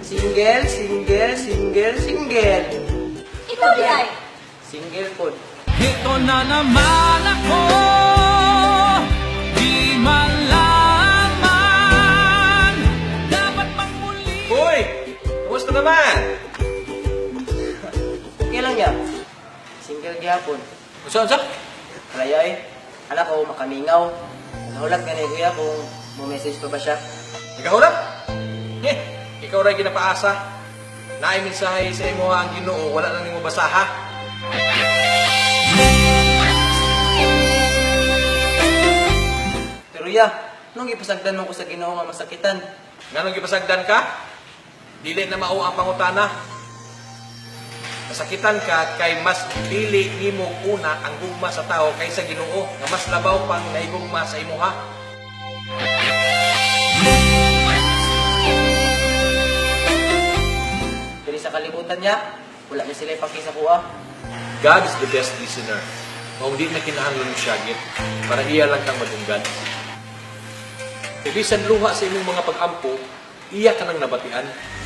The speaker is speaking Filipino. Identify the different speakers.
Speaker 1: Single, single, single, single.
Speaker 2: Ikaw di ay.
Speaker 1: Single po.
Speaker 3: Ito na naman ako, di malaman, dapat pang muli.
Speaker 4: Hoy! Kumusta naman?
Speaker 1: Okay lang ya. Single gihapon.
Speaker 4: Unsa?
Speaker 1: Kalaya eh. Anak ko, makamingaw. Nahulat ka ni kuya kung mo-message pa ba siya.
Speaker 4: Ikaw na? Ikaw rin ginapaasa. Naay mensahe sa imo ang Ginoo, wala na nimo basaha.
Speaker 1: Pero ya, nung ipasagdan mo ko sa Ginoo nga masakitan.
Speaker 4: Nganong gipasagdan ka? Dili na mao ang pangutana. Nasakitan ka kay mas dili nimo una ang gugma sa tao kaysa Ginoo nga mas labaw pang naigugma sa imuha.
Speaker 1: Pero sa kalibutan niya, wala na sila ipakisa kuha.
Speaker 4: God is the best listener. Kung di na kinahanglan mo siya, para iya lang kang madunggan. Kaya bisan luha sa imong mga pag-ampo, iya ka nang nabatian.